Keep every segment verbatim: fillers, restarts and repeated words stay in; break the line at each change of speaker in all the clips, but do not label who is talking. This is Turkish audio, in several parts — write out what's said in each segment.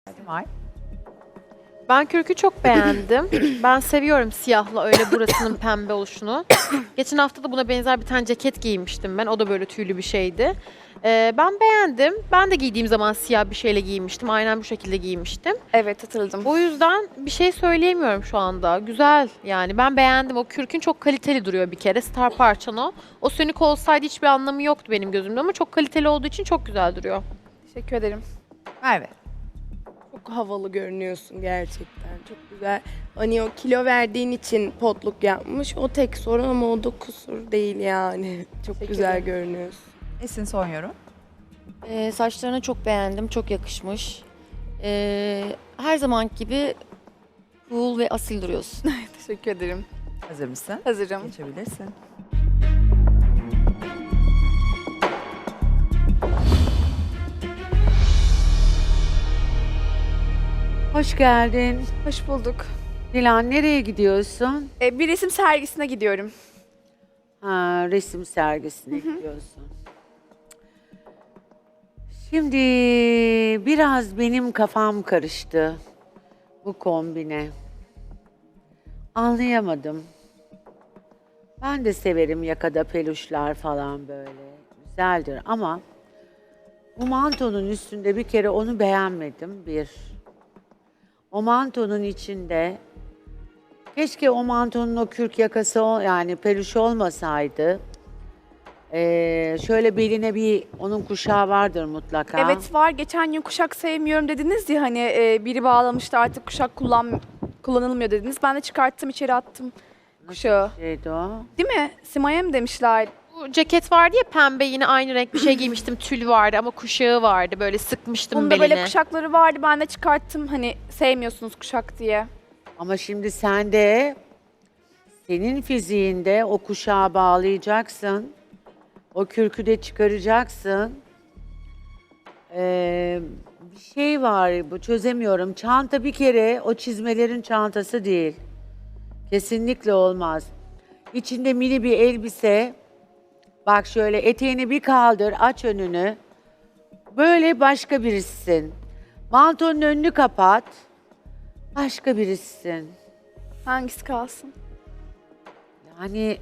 Simay.
Ben kürkü çok beğendim. Ben seviyorum siyahla öyle burasının pembe oluşunu. Geçen hafta da buna benzer bir tane ceket giymiştim ben. O da böyle tüylü bir şeydi. Ee, ben beğendim. Ben de giydiğim zaman siyah bir şeyle giymiştim. Aynen bu şekilde giymiştim.
Evet, hatırladım.
O yüzden bir şey söyleyemiyorum şu anda. Güzel yani ben beğendim. O kürkün çok kaliteli duruyor bir kere. Star parçan o. O sönük olsaydı hiçbir anlamı yoktu benim gözümde ama çok kaliteli olduğu için çok güzel duruyor.
Teşekkür ederim.
Merve.
Çok havalı görünüyorsun gerçekten. Çok güzel. Hani o kilo verdiğin için potluk yapmış. O tek sorun ama o da kusur değil yani. Çok
Teşekkür
güzel
ederim.
görünüyorsun.
Esin son yorum.
Ee, saçlarını çok beğendim, çok yakışmış. Ee, her zaman gibi cool ve asil duruyorsun.
Teşekkür ederim.
Hazır mısın?
Hazırım.
Geçebilirsin.
Hoş geldin.
Hoş bulduk.
Dilan nereye gidiyorsun?
Ee, bir resim sergisine gidiyorum.
Ha, resim sergisine gidiyorsun. Şimdi biraz benim kafam karıştı bu kombine. Anlayamadım. Ben de severim yakada peluşlar falan böyle. Güzeldir ama bu mantonun üstünde bir kere onu beğenmedim bir. O mantonun içinde keşke o mantonun o kürk yakası ol- yani peluş olmasaydı. Ee, şöyle beline bir onun kuşağı vardır mutlaka.
Evet var. Geçen gün kuşak sevmiyorum dediniz ya hani e, biri bağlamıştı artık kuşak kullan kullanılmıyor dediniz. Ben de çıkarttım içeri attım kuşağı.
Şeydi o.
Değil mi? Sima'ya mı demişler?
Bu ceket vardı ya pembe yine aynı renk bir şey giymiştim. Tül vardı ama kuşağı vardı. Böyle sıkmıştım
Bunda
beline.
böyle kuşakları vardı. Ben de çıkarttım hani sevmiyorsunuz kuşak diye.
Ama şimdi sen de senin fiziğinde o kuşağı bağlayacaksın. O kürkü de çıkaracaksın. Ee, bir şey var bu çözemiyorum. Çanta bir kere o çizmelerin çantası değil. Kesinlikle olmaz. İçinde mini bir elbise. Bak şöyle eteğini bir kaldır, aç önünü. Böyle başka birisin. Mantonun önünü kapat. Başka birisin.
Hangisi kalsın?
Yani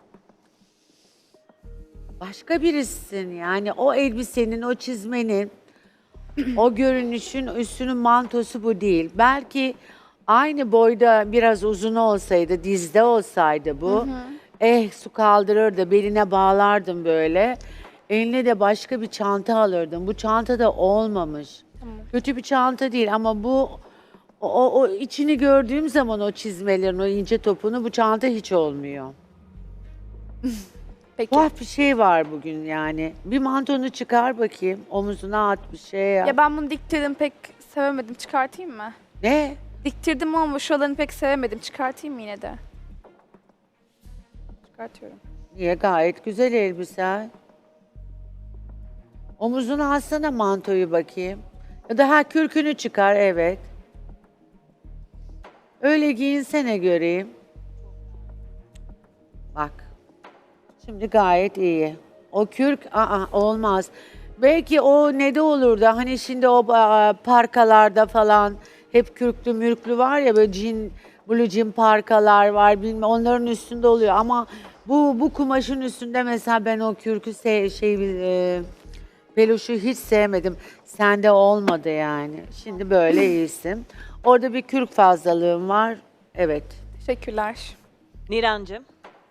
başka birisin yani o elbisenin, o çizmenin, o görünüşün üstünün mantosu bu değil. Belki aynı boyda biraz uzun olsaydı, dizde olsaydı bu. Eh su kaldırırdı, beline bağlardım böyle. Eline de başka bir çanta alırdım. Bu çanta da olmamış. Kötü bir çanta değil ama bu o, o, o içini gördüğüm zaman o çizmelerin, o ince topunu bu çanta hiç olmuyor.
Peki.
Tuhaf bir şey var bugün yani. Bir mantonu çıkar bakayım. Omuzuna at bir şey yap.
Ya ben bunu diktirdim pek sevemedim. Çıkartayım mı?
Ne?
Diktirdim ama şuralarını pek sevemedim. Çıkartayım mı yine de? Çıkartıyorum.
Niye? Gayet güzel elbise. Omuzuna alsana mantoyu bakayım. Ya da ha kürkünü çıkar evet. Öyle giyinsene göreyim. Bak. Şimdi gayet iyi. O kürk aa, olmaz. Belki o ne de olurdu hani şimdi o aa, parkalarda falan hep kürklü mürklü var ya böyle jean, blue jean parkalar var bilmem onların üstünde oluyor ama bu bu kumaşın üstünde mesela ben o kürkü se- şey e, peluşu hiç sevmedim. Sende olmadı yani. Şimdi böyle iyisin. Orada bir kürk fazlalığın var. Evet.
Teşekkürler.
Nirancığım.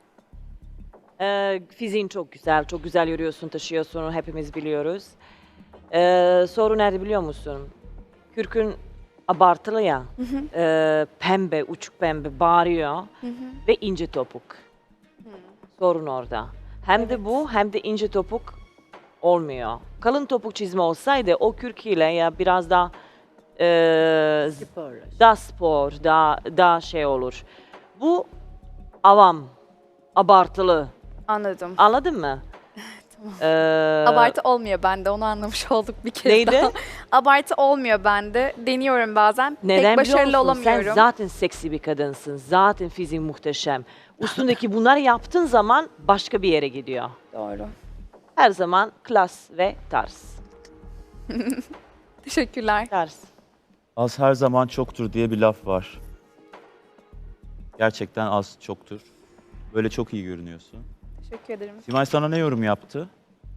Ee, fiziğin çok güzel, çok güzel yürüyorsun, taşıyorsun, hepimiz biliyoruz. Ee, soru nerede biliyor musun? Kürkün abartılı ya, ee, pembe, uçuk pembe bağırıyor ve ince topuk. Sorun orada. Hem de bu hem de ince topuk olmuyor. Kalın topuk çizme olsaydı o kürk ile ya biraz daha ee,
Spor.
daha spor, daha, daha şey olur. Bu avam, abartılı.
Anladım.
Anladın mı? Ee,
Abartı olmuyor bende. Onu anlamış olduk bir kez
Neydi?
daha. Abartı olmuyor bende. Deniyorum bazen.
Neden
Pek başarılı
biliyor musun?
olamıyorum.
Sen zaten seksi bir kadınsın. Zaten fiziğin muhteşem. Üstündeki bunları yaptığın zaman başka bir yere gidiyor.
Doğru.
Her zaman klas ve tarz.
Teşekkürler.
Tarz.
Az her zaman çoktur diye bir laf var. Gerçekten az çoktur. Böyle çok iyi görünüyorsun.
Teşekkür ederim.
Simay sana ne yorum yaptı?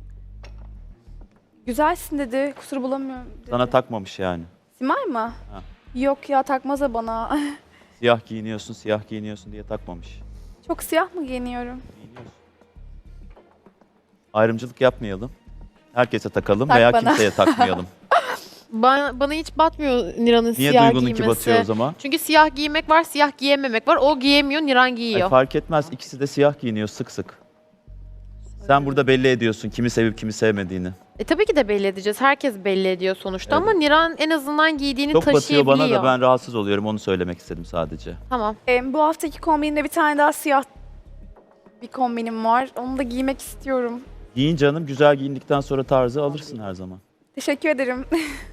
Güzelsin dedi. Kusur bulamıyorum dedi.
Sana takmamış yani.
Simay mı?
Ha.
Yok ya takmaz da bana.
Siyah giyiniyorsun, siyah giyiniyorsun diye takmamış.
Çok siyah mı giyiniyorum?
Giyiniyorsun. Ayrımcılık yapmayalım. Herkese takalım
Tak
veya
bana.
kimseye takmayalım.
Bana, bana hiç batmıyor Niran'ın
Niye
siyah
Duygu'nunki
giymesi.
batıyor o zaman?
Çünkü siyah giymek var, siyah giyememek var. O giyemiyor, Niran
Ay,
giyiyor.
fark etmez. İkisi de siyah giyiniyor sık sık. Sen burada belli ediyorsun kimi sevip kimi sevmediğini.
E tabii ki de belli edeceğiz. Herkes belli ediyor sonuçta
Evet.
ama Niran en azından giydiğini
Çok batıyor
taşıyabiliyor.
bana da ben rahatsız oluyorum. Onu söylemek istedim sadece.
Tamam.
Ee, bu haftaki kombinimde bir tane daha siyah bir kombinim var. Onu da giymek istiyorum.
Giyin canım. Güzel giyindikten sonra tarzı alırsın her zaman.
Teşekkür ederim.